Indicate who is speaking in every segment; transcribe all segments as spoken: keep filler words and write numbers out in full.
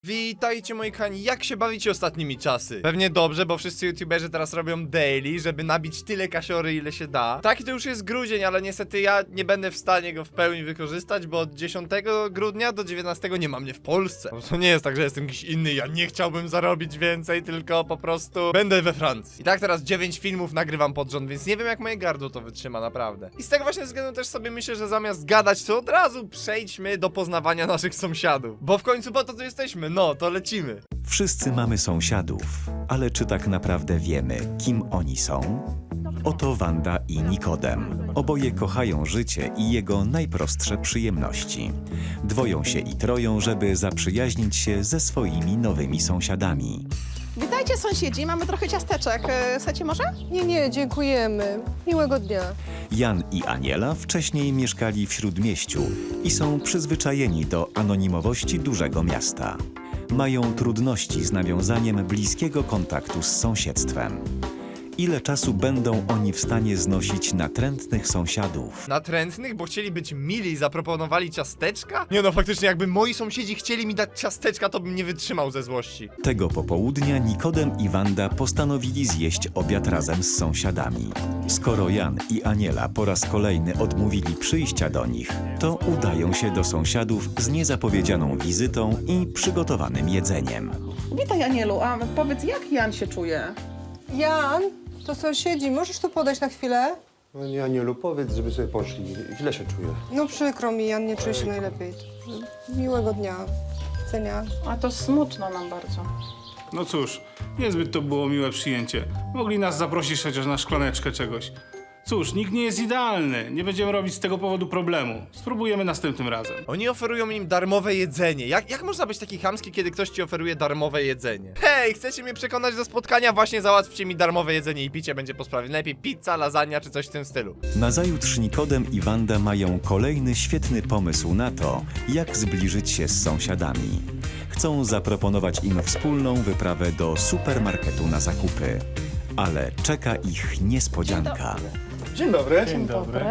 Speaker 1: Witajcie moi kochani, jak się bawicie ostatnimi czasy? Pewnie dobrze, bo wszyscy youtuberzy teraz robią daily, żeby nabić tyle kasiory ile się da. Taki to już jest grudzień, ale niestety ja nie będę w stanie go w pełni wykorzystać, bo od dziesiątego grudnia do dziewiętnastego nie ma mnie w Polsce. No to nie jest tak, że jestem jakiś inny, ja nie chciałbym zarobić więcej, tylko po prostu będę we Francji. I tak teraz dziewięć filmów nagrywam pod rząd, więc nie wiem jak moje gardło to wytrzyma naprawdę. I z tego właśnie względu też sobie myślę, że zamiast gadać, to od razu przejdźmy do poznawania naszych sąsiadów. Bo w końcu po to tu jesteśmy, no to lecimy.
Speaker 2: Wszyscy mamy sąsiadów, ale czy tak naprawdę wiemy, kim oni są? Oto Wanda i Nikodem. Oboje kochają życie i jego najprostsze przyjemności. Dwoją się i troją, żeby zaprzyjaźnić się ze swoimi nowymi sąsiadami.
Speaker 3: Witajcie sąsiedzi, mamy trochę ciasteczek. E, Chcecie może?
Speaker 4: Nie, nie, dziękujemy. Miłego dnia.
Speaker 2: Jan i Aniela wcześniej mieszkali w Śródmieściu i są przyzwyczajeni do anonimowości dużego miasta. Mają trudności z nawiązaniem bliskiego kontaktu z sąsiedztwem. Ile czasu będą oni w stanie znosić natrętnych sąsiadów?
Speaker 1: Natrętnych, bo chcieli być mili i zaproponowali ciasteczka? Nie no, faktycznie jakby moi sąsiedzi chcieli mi dać ciasteczka, to bym nie wytrzymał ze złości.
Speaker 2: Tego popołudnia Nikodem i Wanda postanowili zjeść obiad razem z sąsiadami. Skoro Jan i Aniela po raz kolejny odmówili przyjścia do nich, to udają się do sąsiadów z niezapowiedzianą wizytą i przygotowanym jedzeniem.
Speaker 3: Witaj Anielu, a powiedz jak Jan się czuje?
Speaker 4: Jan, to sąsiedzi, możesz tu podejść na chwilę?
Speaker 5: No nie, Anielu, powiedz, żeby sobie poszli. Źle się czuję.
Speaker 4: No przykro mi, Jan nie czuje się najlepiej. Miłego dnia. Widzenia.
Speaker 3: A to smutno nam bardzo.
Speaker 6: No cóż, niezbyt to było miłe przyjęcie. Mogli nas zaprosić chociaż na szklaneczkę czegoś. Cóż, nikt nie jest idealny. Nie będziemy robić z tego powodu problemu. Spróbujemy następnym razem.
Speaker 1: Oni oferują im darmowe jedzenie. Jak, jak można być taki chamski, kiedy ktoś ci oferuje darmowe jedzenie? Hej, chcecie mnie przekonać do spotkania? Właśnie załatwcie mi darmowe jedzenie i picie będzie po sprawie. Lepiej pizza, lasagna czy coś w tym stylu.
Speaker 2: Nazajutrz Nikodem i Wanda mają kolejny świetny pomysł na to, jak zbliżyć się z sąsiadami. Chcą zaproponować im wspólną wyprawę do supermarketu na zakupy. Ale czeka ich niespodzianka.
Speaker 5: Dzień dobry.
Speaker 6: Dzień dobry.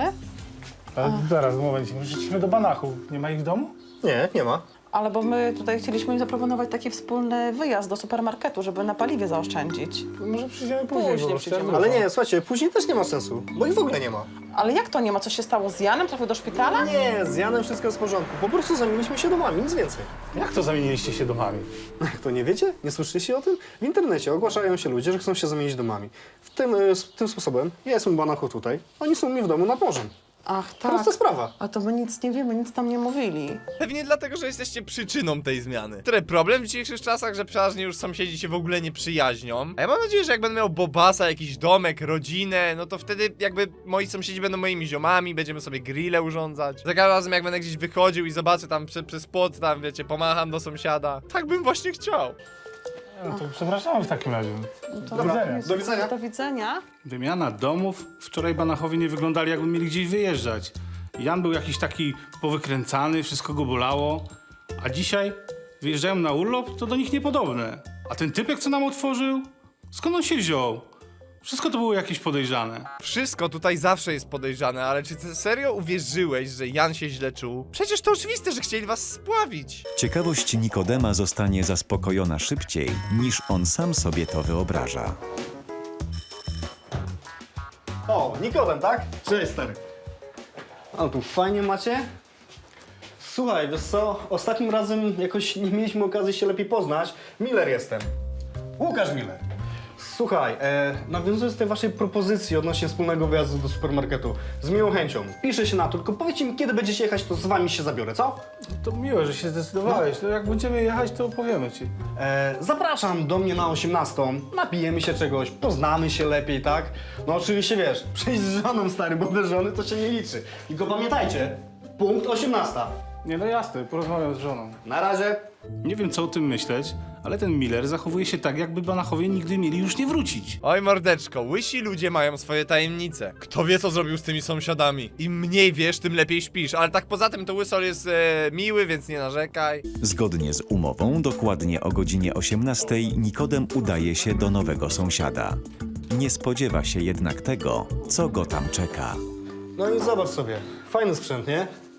Speaker 6: A zaraz, moment, przyszliśmy do Banachu. Nie ma ich w domu?
Speaker 5: Nie, nie ma.
Speaker 3: Ale bo my tutaj chcieliśmy im zaproponować taki wspólny wyjazd do supermarketu, żeby na paliwie zaoszczędzić.
Speaker 6: Może przyjdziemy później.
Speaker 3: Później
Speaker 6: po prostu.
Speaker 3: przyjdziemy.
Speaker 5: Ale nie, słuchajcie, później też nie ma sensu, bo ich w ogóle nie ma.
Speaker 3: Ale jak to nie ma? Co się stało z Janem? Trafił do szpitala?
Speaker 5: Nie, z Janem wszystko jest w porządku. Po prostu zamieniliśmy się domami, nic więcej.
Speaker 6: Jak to zamieniliście się domami?
Speaker 5: Jak to nie wiecie? Nie słyszeliście o tym? W internecie ogłaszają się ludzie, że chcą się zamienić domami. W tym, y, s- tym sposobem ja jestem w Banachu tutaj, oni są u mnie w domu nad morzem.
Speaker 3: Ach, tak.
Speaker 5: Prosta sprawa.
Speaker 3: A to my nic nie wiemy, nic tam nie mówili.
Speaker 1: Pewnie dlatego, że jesteście przyczyną tej zmiany. Który problem w dzisiejszych czasach, że przeważnie już sąsiedzi się w ogóle nie przyjaźnią. A ja mam nadzieję, że jak będę miał bobasa, jakiś domek, rodzinę, no to wtedy jakby moi sąsiedzi będą moimi ziomami, będziemy sobie grille urządzać. Za każdym razem jak będę gdzieś wychodził i zobaczę tam prze, przez płot, tam wiecie, pomacham do sąsiada. Tak bym właśnie chciał.
Speaker 6: No to przepraszamy w takim razie.
Speaker 3: To
Speaker 6: Do widzenia.
Speaker 5: Do widzenia.
Speaker 3: Do widzenia.
Speaker 6: Wymiana domów. Wczoraj Banachowie nie wyglądali, jakby mieli gdzieś wyjeżdżać. Jan był jakiś taki powykręcany, wszystko go bolało. A dzisiaj wyjeżdżają na urlop, to do nich niepodobne. A ten typek, co nam otworzył? Skąd on się wziął? Wszystko to było jakieś podejrzane.
Speaker 1: Wszystko tutaj zawsze jest podejrzane, ale czy ty serio uwierzyłeś, że Jan się źle czuł? Przecież to oczywiste, że chcieli was spławić.
Speaker 2: Ciekawość Nikodema zostanie zaspokojona szybciej, niż on sam sobie to wyobraża.
Speaker 5: O, Nikodem, tak? Cześć, stary. A tu fajnie macie? Słuchaj, wiesz co, ostatnim razem jakoś nie mieliśmy okazji się lepiej poznać. Miller jestem. Łukasz Miller. Słuchaj, e, nawiązując do tej waszej propozycji odnośnie wspólnego wyjazdu do supermarketu, z miłą chęcią, piszę się na to, tylko powiedzcie mi, kiedy będziecie jechać, to z wami się zabiorę, co?
Speaker 6: To miłe, że się zdecydowałeś. No jak będziemy jechać, to opowiemy ci.
Speaker 5: E, zapraszam do mnie na osiemnastą, napijemy się czegoś, poznamy się lepiej, tak? No oczywiście wiesz, przyjdź z żoną, stary, bo bez żony to się nie liczy. Tylko pamiętajcie, punkt osiemnasta.
Speaker 6: Nie, no jasne, porozmawiam z żoną.
Speaker 5: Na razie.
Speaker 6: Nie wiem, co o tym myśleć, ale ten Miller zachowuje się tak, jakby Banachowie nigdy mieli już nie wrócić.
Speaker 1: Oj mordeczko, łysi ludzie mają swoje tajemnice. Kto wie co zrobił z tymi sąsiadami. Im mniej wiesz, tym lepiej śpisz. Ale tak poza tym to łysol jest e, miły, więc nie narzekaj.
Speaker 2: Zgodnie z umową, dokładnie o godzinie osiemnastej Nikodem udaje się do nowego sąsiada. Nie spodziewa się jednak tego, co go tam czeka.
Speaker 5: No i zobacz sobie, fajny sprzęt, nie?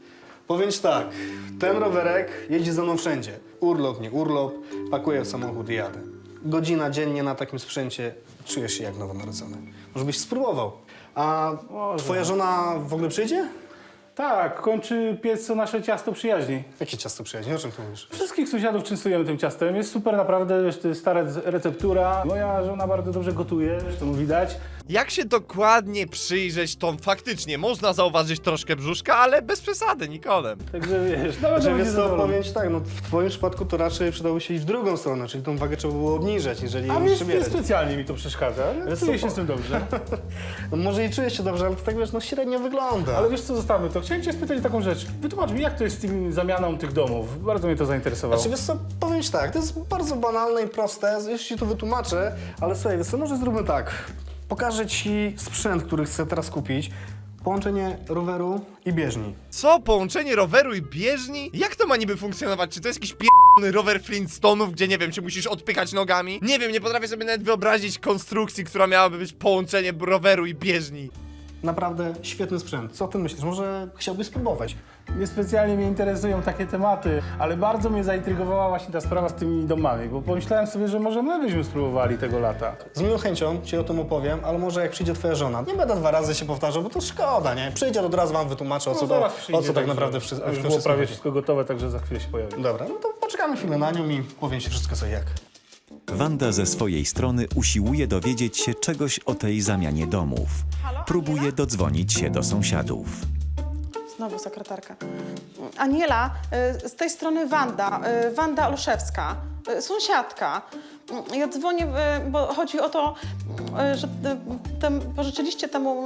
Speaker 5: Powiem ci tak, ten rowerek jeździ ze mną wszędzie. Urlop, nie urlop, pakuję w samochód i jadę. Godzina dziennie na takim sprzęcie, czujesz się jak nowonarodzony. Może byś spróbował. A
Speaker 6: Może.
Speaker 5: twoja żona w ogóle przyjdzie?
Speaker 6: Tak, kończy piec co nasze ciasto przyjaźni.
Speaker 5: Jakie ciasto przyjaźni? O czym ty mówisz?
Speaker 6: Wszystkich sąsiadów częstujemy tym ciastem. Jest super naprawdę, wiesz, to jest stara receptura. Moja żona bardzo dobrze gotuje, zresztą widać.
Speaker 1: Jak się dokładnie przyjrzeć, to faktycznie można zauważyć troszkę brzuszka, ale bez przesady, Nikodem.
Speaker 6: Także wiesz, nawet
Speaker 5: Że
Speaker 6: będzie
Speaker 5: wiesz co,
Speaker 6: zadowolony.
Speaker 5: powiem ci tak, no w twoim przypadku to raczej przydałoby się iść w drugą stronę, czyli tą wagę trzeba było obniżać, jeżeli
Speaker 6: A
Speaker 5: ją
Speaker 6: wiesz, nie
Speaker 5: przybierać.
Speaker 6: specjalnie mi to przeszkadza, ale
Speaker 5: Wiesz
Speaker 6: czuję
Speaker 5: co,
Speaker 6: się
Speaker 5: po-
Speaker 6: z tym dobrze.
Speaker 5: No może i czujesz się dobrze, ale to tak wiesz, no średnio wygląda.
Speaker 6: Ale wiesz co, zostawmy to. Chciałem cię spytać taką rzecz. Wytłumacz mi, jak to jest z tym zamianą tych domów. Bardzo mnie to zainteresowało.
Speaker 5: Znaczy, wiesz co, powiem ci tak, to jest bardzo banalne i proste, już ci to wytłumaczę, ale słuchaj, wiesz co, może zróbmy tak. Pokażę ci sprzęt, który chcę teraz kupić, połączenie roweru i bieżni.
Speaker 1: Co? Połączenie roweru i bieżni? Jak to ma niby funkcjonować? Czy to jest jakiś p***ny rower Flintstone'ów, gdzie nie wiem, czy musisz odpychać nogami? Nie wiem, nie potrafię sobie nawet wyobrazić konstrukcji, która miałaby być połączenie roweru i bieżni.
Speaker 5: Naprawdę świetny sprzęt. Co ty myślisz? Może chciałbyś spróbować?
Speaker 6: Niespecjalnie mnie interesują takie tematy, ale bardzo mnie zaintrygowała właśnie ta sprawa z tymi domami, bo pomyślałem sobie, że może my byśmy spróbowali tego lata.
Speaker 5: Z miłą chęcią ci o tym opowiem, ale może jak przyjdzie twoja żona, nie będę dwa razy się powtarzał, bo to szkoda, nie? Przyjdzie, od razu wam wytłumaczę, o co,
Speaker 6: No,
Speaker 5: to,
Speaker 6: zaraz
Speaker 5: o
Speaker 6: przyjdzie,
Speaker 5: co tak
Speaker 6: także
Speaker 5: naprawdę przy, w
Speaker 6: Już
Speaker 5: tym
Speaker 6: było
Speaker 5: wszystkim
Speaker 6: prawie
Speaker 5: chodzi.
Speaker 6: wszystko gotowe, także za chwilę się pojawi.
Speaker 5: Dobra, no to poczekamy chwilę na nią i powiem ci wszystko co i jak.
Speaker 2: Wanda ze swojej strony usiłuje dowiedzieć się czegoś o tej zamianie domów. Próbuje dodzwonić się do sąsiadów.
Speaker 3: Znowu sekretarka. Aniela, y, z tej strony Wanda, y, Wanda Olszewska, y, sąsiadka. Y, Ja dzwonię, y, bo chodzi o to, y, że y, tem, pożyczyliście temu,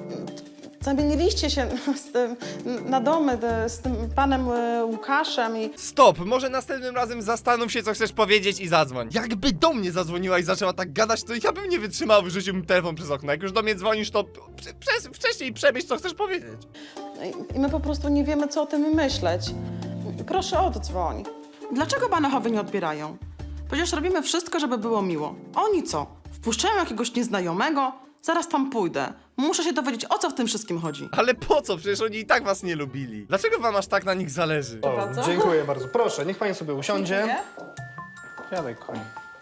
Speaker 3: y, zamieniliście się z tym, na domy y, z tym panem y, Łukaszem i...
Speaker 1: Stop, może następnym razem zastanów się, co chcesz powiedzieć i zadzwoń. Jakby do mnie zadzwoniła i zaczęła tak gadać, to ja bym nie wytrzymał, wyrzuciłbym telefon przez okno. Jak już do mnie dzwonisz, to prze- przez, wcześniej przemyśl, co chcesz powiedzieć.
Speaker 3: I my po prostu nie wiemy, co o tym myśleć. Proszę, oddzwoń. Dlaczego Banachowie nie odbierają? Przecież robimy wszystko, żeby było miło. Oni co? Wpuszczają jakiegoś nieznajomego? Zaraz tam pójdę. Muszę się dowiedzieć, o co w tym wszystkim chodzi.
Speaker 1: Ale po co? Przecież oni i tak was nie lubili. Dlaczego wam aż tak na nich zależy?
Speaker 5: O,
Speaker 3: Bardzo?
Speaker 5: dziękuję bardzo. Proszę, niech pani sobie usiądzie.
Speaker 6: Siadaj, kochani.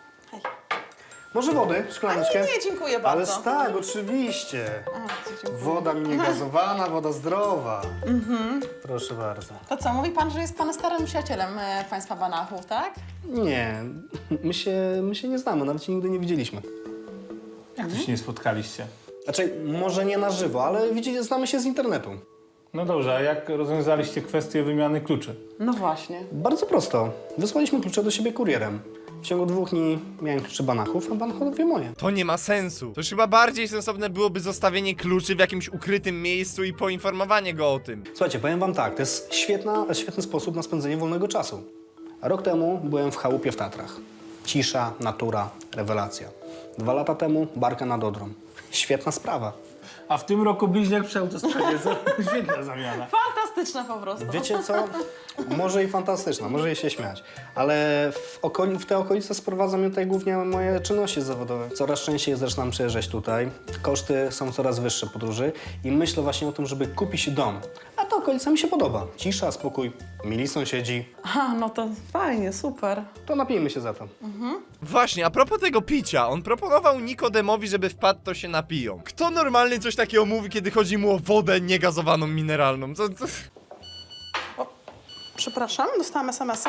Speaker 5: Może wody,
Speaker 3: A
Speaker 5: szklaneczkę?
Speaker 3: nie, nie, dziękuję
Speaker 5: Ale
Speaker 3: bardzo.
Speaker 5: tak, oczywiście.
Speaker 3: A, dziękuję.
Speaker 5: Woda mi nie gazowana, woda zdrowa. Proszę bardzo.
Speaker 3: To co, mówi pan, że jest pan starym przyjacielem e, państwa Banachów, tak?
Speaker 5: Nie, my się, my się nie znamy, nawet się nigdy nie widzieliśmy.
Speaker 6: Jak to się nie spotkaliście?
Speaker 5: Znaczy, może nie na żywo, ale widzicie, znamy się z internetu.
Speaker 6: No dobrze, a jak rozwiązaliście kwestię wymiany kluczy?
Speaker 3: No właśnie.
Speaker 5: Bardzo prosto. Wysłaliśmy klucze do siebie kurierem. W ciągu dwóch dni miałem klucze Banachów, a Banachowie moje.
Speaker 1: To nie ma sensu. To już chyba bardziej sensowne byłoby zostawienie kluczy w jakimś ukrytym miejscu i poinformowanie go o tym.
Speaker 5: Słuchajcie, powiem wam tak, to jest świetna, świetny sposób na spędzenie wolnego czasu. A rok temu byłem w chałupie w Tatrach. Cisza, natura, rewelacja. Dwa lata temu barka nad Odrą. Świetna sprawa.
Speaker 6: A w tym roku bliźniak przy autostradzie, co? Świetna zamiana.
Speaker 3: Fantastyczne po prostu.
Speaker 5: Wiecie co? Może i fantastyczna, może jej się śmiać, ale w, okoli, w te okolice sprowadzam mnie tutaj głównie moje czynności zawodowe. Coraz częściej zaczynam przyjeżdżać tutaj, koszty są coraz wyższe podróży i myślę właśnie o tym, żeby kupić dom. A ta okolica mi się podoba. Cisza, spokój, mili sąsiedzi.
Speaker 3: A, no to fajnie, super.
Speaker 5: To napijmy się za to.
Speaker 1: Właśnie, a propos tego picia, on proponował Nikodemowi, żeby wpadł, to się napiją. Kto normalny coś takiego mówi, kiedy chodzi mu o wodę niegazowaną mineralną? Co, co?
Speaker 3: Przepraszam, dostałam es em es a?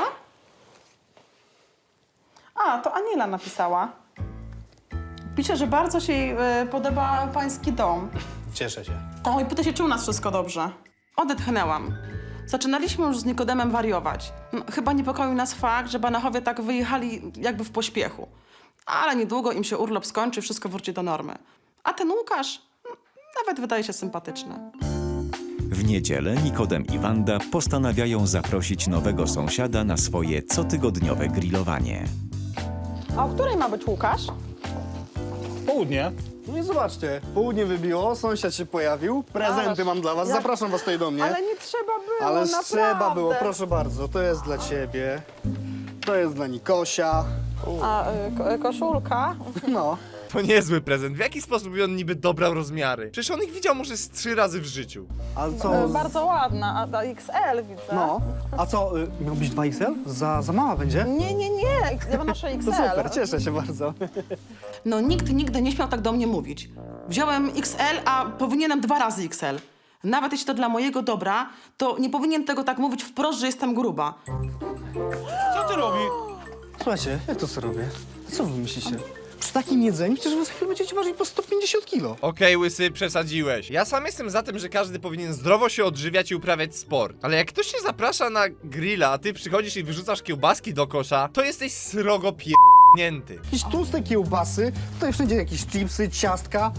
Speaker 3: A, to Aniela napisała. Pisze, że bardzo się jej e, podoba pański dom.
Speaker 5: Cieszę się.
Speaker 3: O, i pyta się, czy u nas wszystko dobrze. Odetchnęłam. Zaczynaliśmy już z Nikodemem wariować. No, chyba niepokoił nas fakt, że Banachowie tak wyjechali jakby w pośpiechu. Ale niedługo im się urlop skończy, wszystko wróci do normy. A ten Łukasz mm, nawet wydaje się sympatyczny.
Speaker 2: W niedzielę Nikodem i Wanda postanawiają zaprosić nowego sąsiada na swoje cotygodniowe grillowanie.
Speaker 3: A o której ma być Łukasz?
Speaker 6: Południe.
Speaker 5: No i zobaczcie, południe wybiło, sąsiad się pojawił, prezenty
Speaker 3: Ależ,
Speaker 5: mam dla was,
Speaker 3: jak-
Speaker 5: zapraszam was tutaj do mnie.
Speaker 3: Ale nie trzeba było,
Speaker 5: Ale
Speaker 3: naprawdę.
Speaker 5: trzeba było, proszę bardzo, to jest dla ciebie, to jest dla Nikosia,
Speaker 3: A y, ko- koszulka?
Speaker 5: no.
Speaker 1: To niezły prezent. W jaki sposób on niby dobrał rozmiary? Przecież on ich widział może z trzy razy w życiu.
Speaker 5: A
Speaker 3: E,
Speaker 5: co?
Speaker 3: Bardzo ładna, a, a X L widzę.
Speaker 5: No, a co, y, miał być dwa X L? Za, za mała będzie?
Speaker 3: Nie, nie, nie, X- ja noszę X
Speaker 5: To
Speaker 3: L.
Speaker 5: super, cieszę się bardzo.
Speaker 3: No nikt nigdy nie śmiał tak do mnie mówić. Wziąłem X L, a powinienem dwa razy X L. Nawet jeśli to dla mojego dobra, to nie powinien tego tak mówić wprost, że jestem gruba.
Speaker 6: Co ty robisz?
Speaker 5: Słuchajcie, jak to co robię? Co wy myślicie? Przy takim jedzeniu przecież wy za chwilę będziecie ważyć po sto pięćdziesiąt kilo.
Speaker 1: Okej, łysy, przesadziłeś. Ja sam jestem za tym, że każdy powinien zdrowo się odżywiać i uprawiać sport. Ale jak ktoś się zaprasza na grilla, a ty przychodzisz i wyrzucasz kiełbaski do kosza, to jesteś srogo pierdnięty.
Speaker 5: Jakieś tłuste kiełbasy, tutaj wszędzie jakieś chipsy, ciastka.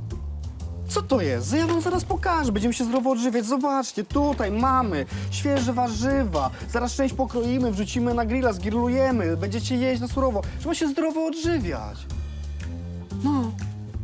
Speaker 5: Co to jest? Ja wam zaraz pokażę, będziemy się zdrowo odżywiać. Zobaczcie, tutaj mamy świeże warzywa. Zaraz część pokroimy, wrzucimy na grilla, zgrillujemy. Będziecie jeść na surowo. Trzeba się zdrowo odżywiać. No,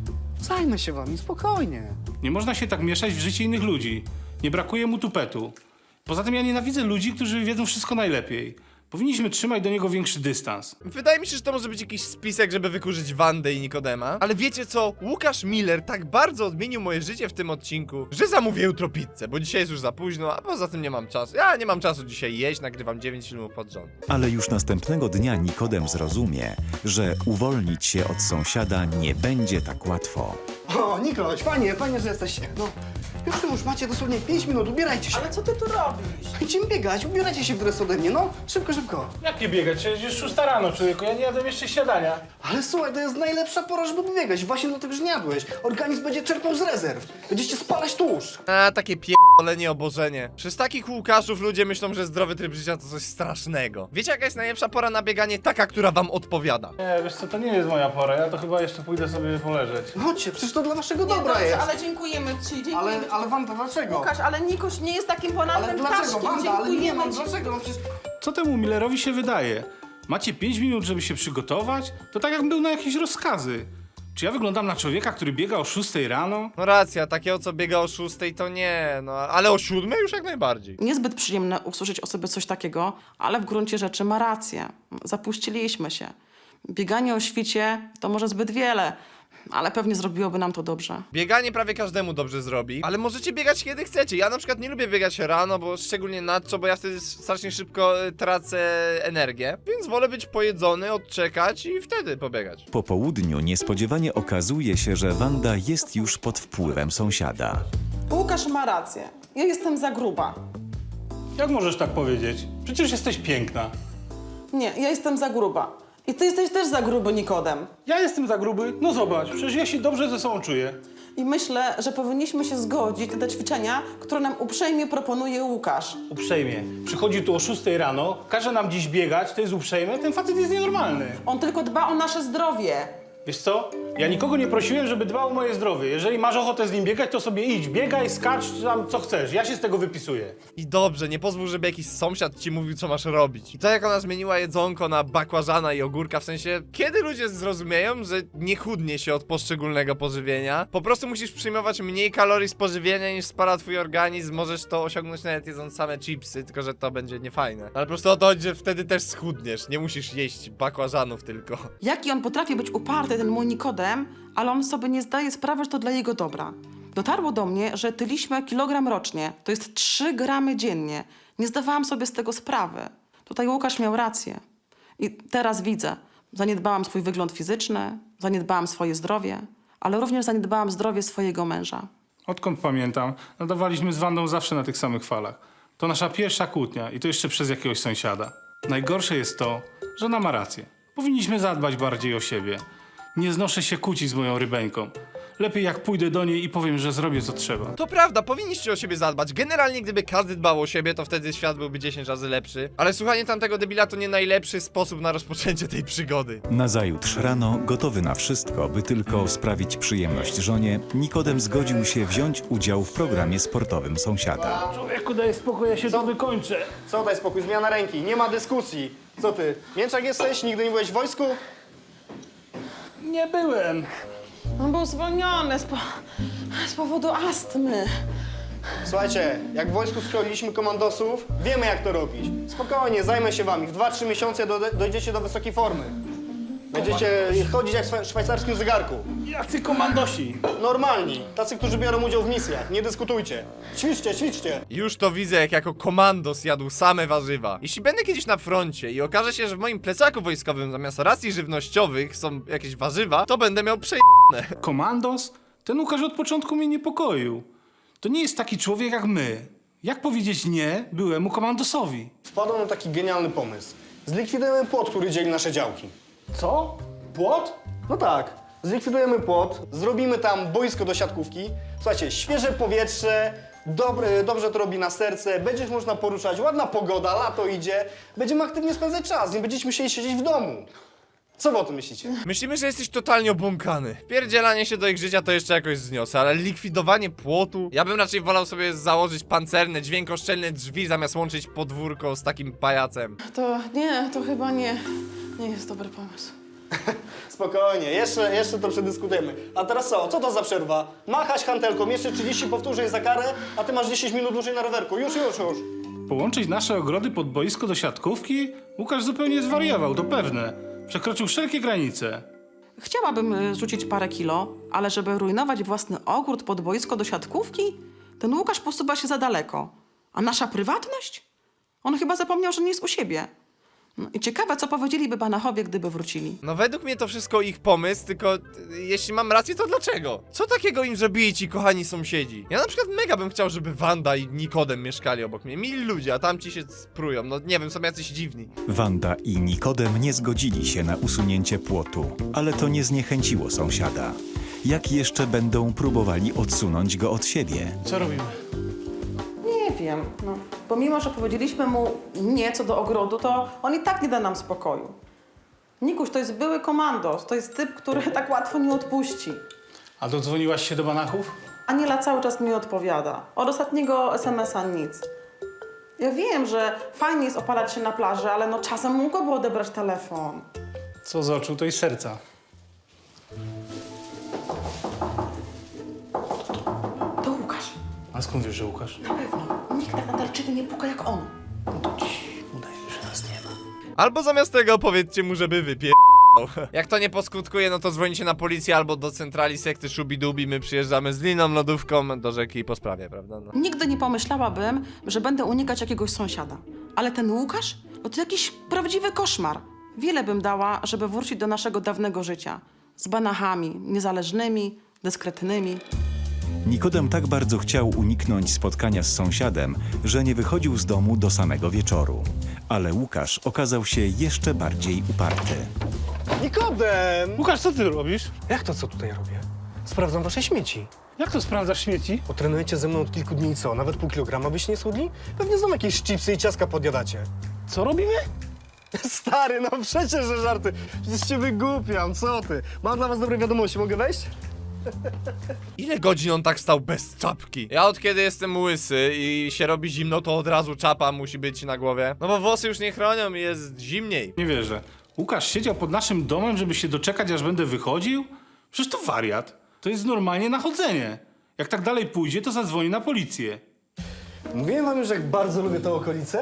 Speaker 5: zajmę się wami, spokojnie.
Speaker 6: Nie można się tak mieszać w życie innych ludzi. Nie brakuje mu tupetu. Poza tym ja nienawidzę ludzi, którzy wiedzą wszystko najlepiej. Powinniśmy trzymać do niego większy dystans.
Speaker 1: Wydaje mi się, że to może być jakiś spisek, żeby wykurzyć Wandę i Nikodema. Ale wiecie co? Łukasz Miller tak bardzo odmienił moje życie w tym odcinku, że zamówię jutro pizzę, bo dzisiaj jest już za późno, a poza tym nie mam czasu. Ja nie mam czasu dzisiaj jeść, nagrywam dziewięć filmów pod rząd.
Speaker 2: Ale już następnego dnia Nikodem zrozumie, że uwolnić się od sąsiada nie będzie tak łatwo.
Speaker 5: O, Nikolaś, fajnie, fajnie, że jesteście. No, już tu już macie dosłownie pięć minut, ubierajcie się.
Speaker 3: Ale co ty tu robisz?
Speaker 5: Idziemy biegać, ubierajcie się w dres ode mnie, no. Szybko, szybko.
Speaker 6: Jak nie biegać? Przecież już szósta rano, człowieku. Ja nie jadłem jeszcze śniadania.
Speaker 5: Ale słuchaj, to jest najlepsza pora, żeby biegać. Właśnie dlatego, że nie jadłeś. Organizm będzie czerpał z rezerw. Będziecie spalać tłuszcz.
Speaker 1: A, takie pierdolenie obożenie. Przez takich Łukaszów ludzie myślą, że zdrowy tryb życia to coś strasznego. Wiecie, jaka jest najlepsza pora na bieganie? Taka, która wam odpowiada.
Speaker 6: Nie, wiesz co, to nie jest moja pora. Ja to chyba jeszcze pójdę sobie poleżeć.
Speaker 5: Chodźcie, przecież to dla waszego
Speaker 3: Nie,
Speaker 5: dobra
Speaker 3: dobrze,
Speaker 5: jest.
Speaker 3: ale dziękujemy ci, dziękujemy
Speaker 5: Ale,
Speaker 3: ci.
Speaker 5: ale Wanda, dlaczego?
Speaker 3: Łukasz, ale Nikuś nie jest takim ponadnym
Speaker 5: Ale dlaczego,
Speaker 3: ptaszkiem.
Speaker 5: Wanda? Ale nie
Speaker 3: Dziękujemy
Speaker 5: mam,
Speaker 3: ci.
Speaker 5: dlaczego? No przecież...
Speaker 6: Co temu Millerowi się wydaje? Macie pięć minut, żeby się przygotować? To tak jakbym był na jakieś rozkazy. Czy ja wyglądam na człowieka, który biega o szóstej rano?
Speaker 1: No racja, takiego co biega o szóstej to nie, no ale o siódmej już jak najbardziej.
Speaker 3: Niezbyt przyjemne usłyszeć o sobie coś takiego, ale w gruncie rzeczy ma rację. Zapuściliśmy się. Bieganie o świcie to może zbyt wiele, ale pewnie zrobiłoby nam to dobrze.
Speaker 1: Bieganie prawie każdemu dobrze zrobi, ale możecie biegać kiedy chcecie. Ja na przykład nie lubię biegać rano, bo szczególnie nadto, bo ja wtedy strasznie szybko e, tracę energię, więc wolę być pojedzony, odczekać i wtedy pobiegać.
Speaker 2: Po południu niespodziewanie okazuje się, że Wanda jest już pod wpływem sąsiada.
Speaker 3: Łukasz ma rację. Ja jestem za gruba.
Speaker 6: Jak możesz tak powiedzieć? Przecież jesteś piękna.
Speaker 3: Nie, ja jestem za gruba. I ty jesteś też za gruby, Nikodem.
Speaker 6: Ja jestem za gruby? No zobacz, przecież ja się dobrze ze sobą czuję.
Speaker 3: I myślę, że powinniśmy się zgodzić na te ćwiczenia, które nam uprzejmie proponuje Łukasz.
Speaker 6: Uprzejmie. Przychodzi tu o szóstej rano, każe nam dziś biegać, to jest uprzejme, ten facet jest nienormalny.
Speaker 3: On tylko dba o nasze zdrowie.
Speaker 6: Wiesz co? Ja nikogo nie prosiłem, żeby dbał o moje zdrowie. Jeżeli masz ochotę z nim biegać, to sobie idź, biegaj, skacz tam co chcesz. Ja się z tego wypisuję.
Speaker 1: I dobrze, nie pozwól, żeby jakiś sąsiad ci mówił, co masz robić. I to jak ona zmieniła jedzonko na bakłażana i ogórka, w sensie, kiedy ludzie zrozumieją, że nie chudnie się od poszczególnego pożywienia, po prostu musisz przyjmować mniej kalorii z pożywienia niż spala twój organizm, możesz to osiągnąć nawet jedząc same chipsy, tylko że to będzie niefajne. Ale po prostu o to chodzi, że wtedy też schudniesz, nie musisz jeść bakłażanów tylko.
Speaker 3: Jaki on potrafi być uparty, ten mój Nikodem, ale on sobie nie zdaje sprawy, że to dla jego dobra. Dotarło do mnie, że tyliśmy kilogram rocznie. To jest trzy gramy dziennie. Nie zdawałam sobie z tego sprawy. Tutaj Łukasz miał rację. I teraz widzę. Zaniedbałam swój wygląd fizyczny, zaniedbałam swoje zdrowie, ale również zaniedbałam zdrowie swojego męża.
Speaker 6: Odkąd pamiętam, nadawaliśmy z Wandą zawsze na tych samych falach. To nasza pierwsza kłótnia i to jeszcze przez jakiegoś sąsiada. Najgorsze jest to, że ona ma rację. Powinniśmy zadbać bardziej o siebie. Nie znoszę się kłócić z moją rybeńką. Lepiej jak pójdę do niej i powiem, że zrobię co trzeba.
Speaker 1: To prawda, powinniście o siebie zadbać. Generalnie, gdyby każdy dbał o siebie, to wtedy świat byłby dziesięć razy lepszy. Ale słuchanie tamtego debila to nie najlepszy sposób na rozpoczęcie tej przygody.
Speaker 2: Nazajutrz rano, gotowy na wszystko, by tylko sprawić przyjemność żonie, Nikodem zgodził się wziąć udział w programie sportowym sąsiada.
Speaker 6: Człowieku, daj spokój, ja się to wykończę.
Speaker 5: Co, daj spokój, zmiana ręki, nie ma dyskusji. Co ty, mięczak jesteś? Nigdy nie byłeś w wojsku?
Speaker 6: Nie byłem.
Speaker 3: On był zwolniony z, po... z powodu astmy.
Speaker 5: Słuchajcie, jak w wojsku szkoliliśmy komandosów, wiemy jak to robić. Spokojnie, zajmę się wami. W dwa trzy miesiące do, dojdziecie do wysokiej formy. Będziecie chodzić jak w szwa- szwajcarskim zegarku.
Speaker 6: Jacy komandosi!
Speaker 5: Normalni, tacy, którzy biorą udział w misjach. Nie dyskutujcie. Ćwiczcie, ćwiczcie.
Speaker 1: Już to widzę, jak jako komandos jadł same warzywa. Jeśli będę kiedyś na froncie i okaże się, że w moim plecaku wojskowym zamiast racji żywnościowych są jakieś warzywa, to będę miał prze...
Speaker 6: Komandos? Ten Łukasz od początku mnie niepokoił. To nie jest taki człowiek jak my. Jak powiedzieć nie byłemu komandosowi?
Speaker 5: Wpadłem na taki genialny pomysł. Zlikwidujemy płot, który dzieli nasze działki.
Speaker 6: Co? Płot?
Speaker 5: No tak, zlikwidujemy płot, zrobimy tam boisko do siatkówki. Słuchajcie, świeże powietrze, dobre, dobrze to robi na serce, będziesz można poruszać, ładna pogoda, lato idzie, będziemy aktywnie spędzać czas, nie będziecie musieli siedzieć w domu. Co wy o tym myślicie?
Speaker 1: Myślimy, że jesteś totalnie obłąkany. Pierdzielanie się do ich życia to jeszcze jakoś zniosę, ale likwidowanie płotu? Ja bym raczej wolał sobie założyć pancerne, dźwiękoszczelne drzwi, zamiast łączyć podwórko z takim pajacem.
Speaker 3: To nie, to chyba nie, nie jest dobry pomysł.
Speaker 5: Spokojnie, jeszcze, jeszcze to przedyskutujemy. A teraz co? Co to za przerwa? Machać hantelką, jeszcze trzydzieści powtórzeń za karę, a ty masz dziesięć minut dłużej na rowerku. Już, już, już.
Speaker 6: Połączyć nasze ogrody pod boisko do siatkówki? Łukasz zupełnie zwariował, to pewne. Przekroczył wszelkie granice.
Speaker 7: Chciałabym y, rzucić parę kilo, ale żeby rujnować własny ogród pod boisko do siatkówki, ten Łukasz posuwa się za daleko. A nasza prywatność? On chyba zapomniał, że nie jest u siebie. No i ciekawe, co powiedzieliby Banachowie, gdyby wrócili.
Speaker 1: No według mnie to wszystko ich pomysł, tylko y, jeśli mam rację, to dlaczego? Co takiego im zrobili ci kochani sąsiedzi? Ja na przykład mega bym chciał, żeby Wanda i Nikodem mieszkali obok mnie. Mili ludzie, a tamci się sprują. No nie wiem, są jacyś dziwni.
Speaker 2: Wanda i Nikodem nie zgodzili się na usunięcie płotu, ale to nie zniechęciło sąsiada. Jak jeszcze będą próbowali odsunąć go od siebie?
Speaker 6: Co robimy?
Speaker 3: Nie wiem, no. Pomimo, że powiedzieliśmy mu nie co do ogrodu, to on i tak nie da nam spokoju. Nikuś to jest były komandos, to jest typ, który tak łatwo nie odpuści.
Speaker 6: A dodzwoniłaś się do Banachów?
Speaker 3: Aniela cały czas mi odpowiada. Od ostatniego es em es a nic. Ja wiem, że fajnie jest opalać się na plaży, ale no czasem mógłby odebrać telefon.
Speaker 6: Co z oczu, to i z serca.
Speaker 3: To Łukasz.
Speaker 6: A skąd wiesz, że Łukasz?
Speaker 3: Na pewno. Nikt tak natarczywie nie puka jak on.
Speaker 6: Udaje, że nas nie ma.
Speaker 1: Albo zamiast tego powiedzcie mu, żeby wypie... Jak to nie poskutkuje, no to dzwonicie na policję albo do centrali sekty Szubidubi, my przyjeżdżamy z liną lodówką do rzeki po sprawie, prawda? No.
Speaker 7: Nigdy nie pomyślałabym, że będę unikać jakiegoś sąsiada. Ale ten Łukasz, no to jakiś prawdziwy koszmar. Wiele bym dała, żeby wrócić do naszego dawnego życia. Z Banachami, niezależnymi, dyskretnymi.
Speaker 2: Nikodem tak bardzo chciał uniknąć spotkania z sąsiadem, że nie wychodził z domu do samego wieczoru. Ale Łukasz okazał się jeszcze bardziej uparty.
Speaker 5: Nikodem!
Speaker 6: Łukasz, co ty robisz?
Speaker 5: Jak to, co tutaj robię? Sprawdzam wasze śmieci.
Speaker 6: Jak to sprawdzasz śmieci?
Speaker 5: Bo trenujecie ze mną od kilku dni i co? Nawet pół kilograma byście nie schudli? Pewnie znowu jakieś chipsy i ciastka podjadacie.
Speaker 6: Co robimy?
Speaker 5: Stary, no przecież, że żarty. Przecież cię wygłupiam, co ty? Mam dla was dobre wiadomości, mogę wejść?
Speaker 1: Ile godzin on tak stał bez czapki? Ja od kiedy jestem łysy i się robi zimno, to od razu czapa musi być na głowie. No bo włosy już nie chronią i jest zimniej.
Speaker 6: Nie wierzę. Łukasz siedział pod naszym domem, żeby się doczekać, aż będę wychodził? Przecież to wariat. To jest normalnie nachodzenie. Jak tak dalej pójdzie, to zadzwoni na policję.
Speaker 5: Mówiłem wam już, jak bardzo lubię tę okolicę.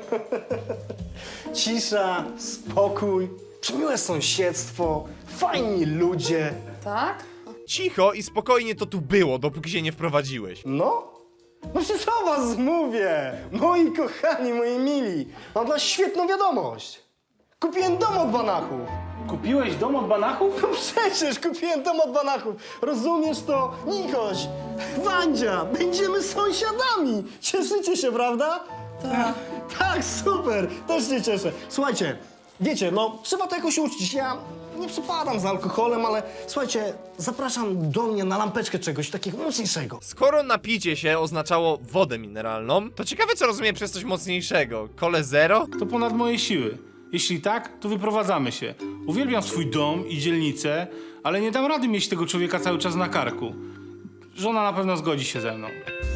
Speaker 5: Cisza, spokój, przemiłe sąsiedztwo, fajni ludzie.
Speaker 3: Tak?
Speaker 1: Cicho i spokojnie to tu było, dopóki się nie wprowadziłeś.
Speaker 5: No? No przecież o was mówię! Moi kochani, moi mili, mam dla was świetną wiadomość. Kupiłem dom od Banachów.
Speaker 6: Kupiłeś dom od Banachów?
Speaker 5: No przecież kupiłem dom od Banachów. Rozumiesz to? Nikoś, Wandzia, będziemy sąsiadami. Cieszycie się, prawda? Tak. Tak, super. Też się cieszę. Słuchajcie, wiecie, no trzeba to jakoś uczcić. Ja nie przepadam za alkoholem, ale słuchajcie, zapraszam do mnie na lampeczkę czegoś takiego mocniejszego.
Speaker 1: Skoro napicie się oznaczało wodę mineralną, to ciekawe co rozumiem przez coś mocniejszego. Kole zero?
Speaker 6: To ponad moje siły. Jeśli tak, to wyprowadzamy się. Uwielbiam swój dom i dzielnicę, ale nie dam rady mieć tego człowieka cały czas na karku. Żona na pewno zgodzi się ze mną.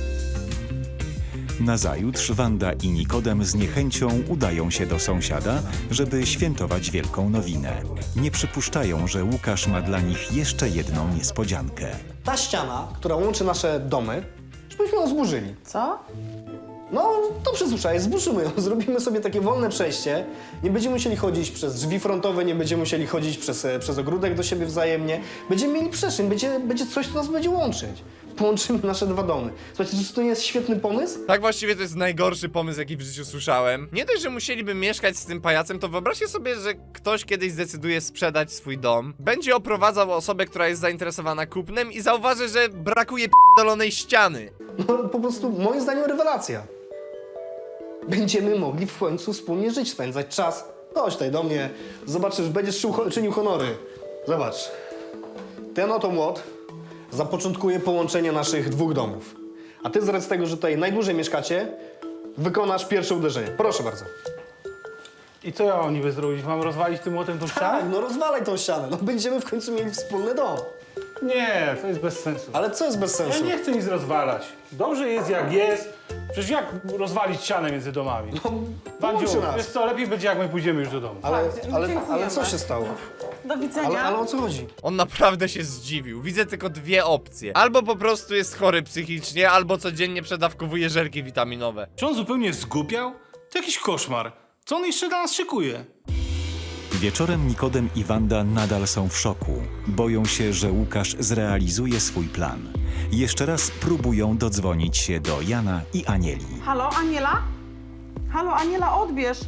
Speaker 2: Nazajutrz Wanda i Nikodem z niechęcią udają się do sąsiada, żeby świętować wielką nowinę. Nie przypuszczają, że Łukasz ma dla nich jeszcze jedną niespodziankę.
Speaker 5: Ta ściana, która łączy nasze domy, żebyśmy ją zburzyli.
Speaker 3: Co?
Speaker 5: No, to przesłuchaj, zburzymy ją, zrobimy sobie takie wolne przejście. Nie będziemy musieli chodzić przez drzwi frontowe, nie będziemy musieli chodzić przez, e, przez ogródek do siebie wzajemnie. Będziemy mieli przestrzeń, będzie, będzie coś, co nas będzie łączyć. Połączymy nasze dwa domy. Słuchajcie, czy to nie jest świetny pomysł?
Speaker 1: Tak właściwie to jest najgorszy pomysł, jaki w życiu słyszałem. Nie dość, że musieliby mieszkać z tym pajacem, to wyobraźcie sobie, że ktoś kiedyś zdecyduje sprzedać swój dom, będzie oprowadzał osobę, która jest zainteresowana kupnem i zauważy, że brakuje p***dolonej ściany.
Speaker 5: No, po prostu moim zdaniem rewelacja. Będziemy mogli w końcu wspólnie żyć, spędzać czas. Chodź tutaj do mnie, zobaczysz, będziesz czył, czynił honory. Zobacz, ten oto młot zapoczątkuje połączenie naszych dwóch domów. A ty z racji tego, że tutaj najdłużej mieszkacie, wykonasz pierwsze uderzenie. Proszę bardzo.
Speaker 6: I co ja mam niby zrobić? Mam rozwalić tym młotem tą
Speaker 5: Tak,
Speaker 6: ścianę?
Speaker 5: no rozwalaj tą ścianę, no będziemy w końcu mieli wspólny dom.
Speaker 6: Nie, to jest bez sensu.
Speaker 5: Ale co jest bez
Speaker 6: Ja
Speaker 5: sensu?
Speaker 6: nie chcę nic rozwalać. Dobrze jest jak jest. Przecież jak rozwalić ścianę między domami? Bandziu,
Speaker 5: połączy nas.
Speaker 6: wiesz co, lepiej będzie jak my pójdziemy już do domu.
Speaker 5: Ale,
Speaker 3: Tak,
Speaker 5: ale,
Speaker 3: dziękujemy.
Speaker 5: ale co się stało?
Speaker 3: Do widzenia.
Speaker 5: Ale, ale o co chodzi?
Speaker 1: On naprawdę się zdziwił. Widzę tylko dwie opcje. Albo po prostu jest chory psychicznie, albo codziennie przedawkowuje żelki witaminowe.
Speaker 6: Czy on zupełnie zgupiał? To jakiś koszmar. Co on jeszcze dla nas szykuje?
Speaker 2: Wieczorem Nikodem i Wanda nadal są w szoku. Boją się, że Łukasz zrealizuje swój plan. Jeszcze raz próbują dodzwonić się do Jana i Anieli.
Speaker 7: Halo, Aniela? Halo, Aniela, odbierz.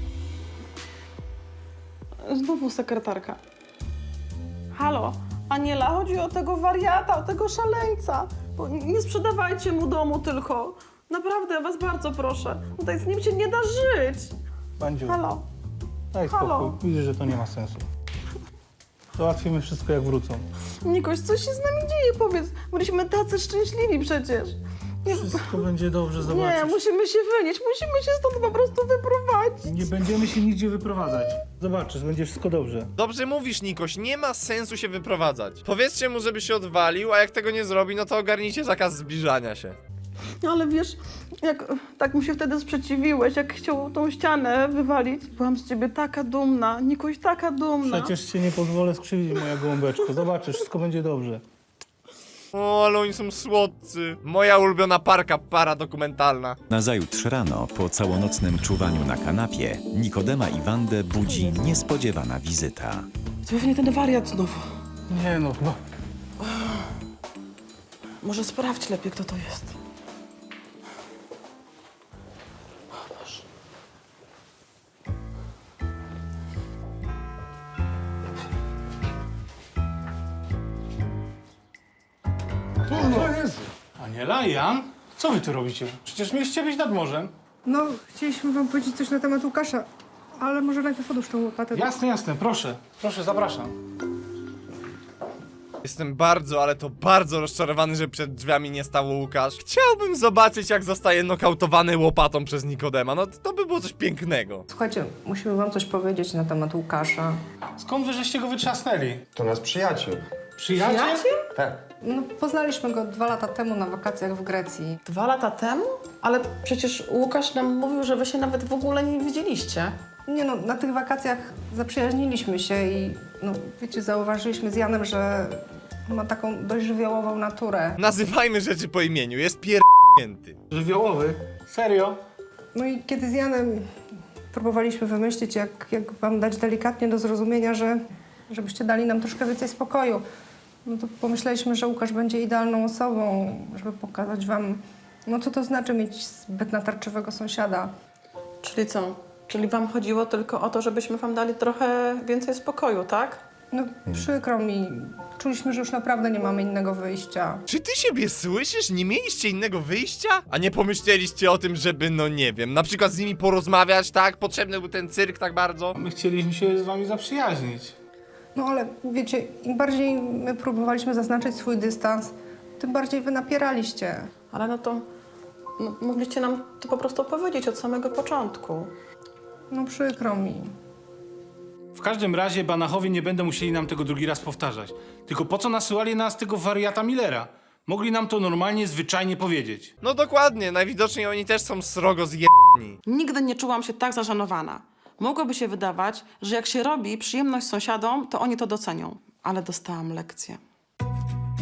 Speaker 3: Znowu sekretarka.
Speaker 7: Halo, Aniela, chodzi o tego wariata, o tego szaleńca. Bo nie sprzedawajcie mu domu tylko. Naprawdę, ja was bardzo proszę. Tutaj z nim się nie da żyć.
Speaker 6: Bandziu,
Speaker 7: Halo.
Speaker 6: daj
Speaker 7: Halo.
Speaker 6: spokój. Widzę, że to nie ma sensu. Załatwimy wszystko jak wrócą.
Speaker 7: Nikoś, co się z nami dzieje? Powiedz, byliśmy tacy szczęśliwi przecież. Nie,
Speaker 6: Wszystko będzie dobrze,
Speaker 7: nie,
Speaker 6: zobaczysz.
Speaker 7: musimy się wynieść, musimy się stąd po prostu wyprowadzić.
Speaker 6: Nie będziemy się nigdzie wyprowadzać. Zobaczysz, będzie wszystko dobrze.
Speaker 1: Dobrze mówisz, Nikoś, nie ma sensu się wyprowadzać. Powiedzcie mu, żeby się odwalił, a jak tego nie zrobi, no to ogarnijcie zakaz zbliżania się.
Speaker 7: Ale wiesz, jak tak mu się wtedy sprzeciwiłeś, jak chciał tą ścianę wywalić, byłam z ciebie taka dumna, Nikoś, taka dumna.
Speaker 6: Przecież cię nie pozwolę skrzywdzić, moja gołąbeczko. Zobaczysz, wszystko będzie dobrze.
Speaker 1: O, ale oni są słodcy. Moja ulubiona parka paradokumentalna.
Speaker 2: Nazajutrz rano, po całonocnym czuwaniu na kanapie, Nikodema i Wandę budzi niespodziewana wizyta.
Speaker 7: To pewnie ten wariat znowu.
Speaker 6: Nie no, chyba.
Speaker 7: Może sprawdź lepiej, kto to jest.
Speaker 6: Aniela, Jan? Co wy tu robicie? Przecież mieliście być nad morzem.
Speaker 4: No, chcieliśmy wam powiedzieć coś na temat Łukasza, ale może najpierw odłóż tą łopatę.
Speaker 6: Jasne, jasne, proszę. Proszę, zapraszam.
Speaker 1: Jestem bardzo, ale to bardzo rozczarowany, że przed drzwiami nie stał Łukasz. Chciałbym zobaczyć, jak zostaje nokautowany łopatą przez Nikodema. No to by było coś pięknego.
Speaker 4: Słuchajcie, musimy wam coś powiedzieć na temat Łukasza.
Speaker 6: Skąd wy żeście go wytrzasnęli?
Speaker 8: To nasz przyjaciel.
Speaker 6: Przyjaciel?
Speaker 8: Tak.
Speaker 4: No, poznaliśmy go dwa lata temu na wakacjach w Grecji.
Speaker 7: Dwa lata temu? Ale przecież Łukasz nam mówił, że wy się nawet w ogóle nie widzieliście.
Speaker 4: Nie no, na tych wakacjach zaprzyjaźniliśmy się i, no, wiecie, zauważyliśmy z Janem, że ma taką dość żywiołową naturę.
Speaker 1: Nazywajmy rzeczy po imieniu, jest pierdnięty.
Speaker 6: Żywiołowy? Serio?
Speaker 4: No i kiedy z Janem próbowaliśmy wymyślić, jak, jak wam dać delikatnie do zrozumienia, że żebyście dali nam troszkę więcej spokoju, no to pomyśleliśmy, że Łukasz będzie idealną osobą, żeby pokazać wam, no co to znaczy mieć zbyt natarczywego sąsiada.
Speaker 7: Czyli co? Czyli wam chodziło tylko o to, żebyśmy wam dali trochę więcej spokoju, tak?
Speaker 4: No przykro mi, czuliśmy, że już naprawdę nie mamy innego wyjścia.
Speaker 1: Czy ty siebie słyszysz? Nie mieliście innego wyjścia? A nie pomyśleliście o tym, żeby, no nie wiem, na przykład z nimi porozmawiać, tak? Potrzebny był ten cyrk tak bardzo?
Speaker 6: My chcieliśmy się z wami zaprzyjaźnić.
Speaker 4: No ale wiecie, im bardziej my próbowaliśmy zaznaczyć swój dystans, tym bardziej wy napieraliście.
Speaker 7: Ale no to no, mogliście nam to po prostu powiedzieć od samego początku.
Speaker 4: No przykro mi.
Speaker 6: W każdym razie Banachowie nie będą musieli nam tego drugi raz powtarzać. Tylko po co nasyłali nas tego wariata Millera? Mogli nam to normalnie, zwyczajnie powiedzieć.
Speaker 1: No dokładnie, najwidoczniej oni też są srogo zjebani.
Speaker 7: Nigdy nie czułam się tak zażenowana. Mogłoby się wydawać, że jak się robi przyjemność sąsiadom, to oni to docenią. Ale dostałam lekcję.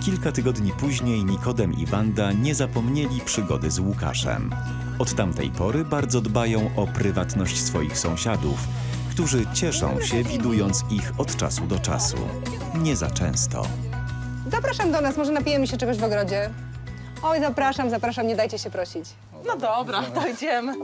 Speaker 2: Kilka tygodni później Nikodem i Wanda nie zapomnieli przygody z Łukaszem. Od tamtej pory bardzo dbają o prywatność swoich sąsiadów, którzy cieszą się, widując ich od czasu do czasu. Nie za często.
Speaker 8: Zapraszam do nas, może napijemy się czegoś w ogrodzie. Oj, zapraszam, zapraszam, nie dajcie się prosić.
Speaker 7: No dobra, dojdziemy.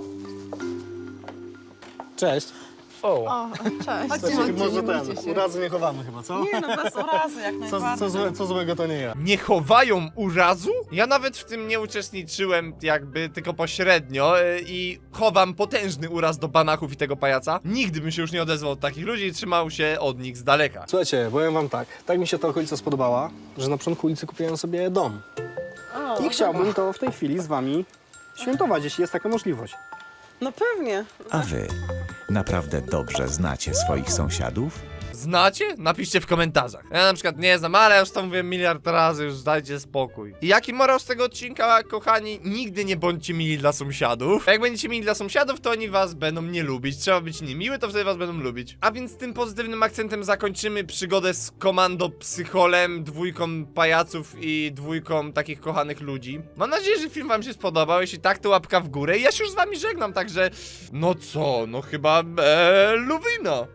Speaker 5: Cześć.
Speaker 3: Cześć.
Speaker 5: Może ten, urazy nie chowamy chyba, co?
Speaker 7: Nie no, bez urazy, jak
Speaker 5: Co,
Speaker 7: najbardziej.
Speaker 5: co, złe, co złego to nie ja.
Speaker 1: Nie chowają urazu? Ja nawet w tym nie uczestniczyłem jakby tylko pośrednio yy, i chowam potężny uraz do banachów i tego pajaca. Nigdy bym się już nie odezwał od takich ludzi i trzymał się od nich z daleka.
Speaker 5: Słuchajcie, powiem wam tak, tak mi się ta okolica spodobała, że na początku ulicy kupiłem sobie dom. I chciałbym to w tej chwili z wami świętować, jeśli jest taka możliwość.
Speaker 7: No pewnie.
Speaker 2: A wy naprawdę dobrze znacie swoich sąsiadów?
Speaker 1: Znacie? Napiszcie w komentarzach. Ja na przykład nie znam, ale ja już to mówię miliard razy, już dajcie spokój. I jaki morał z tego odcinka, kochani? Nigdy nie bądźcie mili dla sąsiadów. Jak będziecie mili dla sąsiadów, to oni was będą nie lubić. Trzeba być niemiły, to wtedy was będą lubić. A więc tym pozytywnym akcentem zakończymy przygodę z komando psycholem, dwójką pajaców i dwójką takich kochanych ludzi. Mam nadzieję, że film wam się spodobał. Jeśli tak, to łapka w górę. I ja się już z wami żegnam, także... No co? No chyba... Eee, Luwino.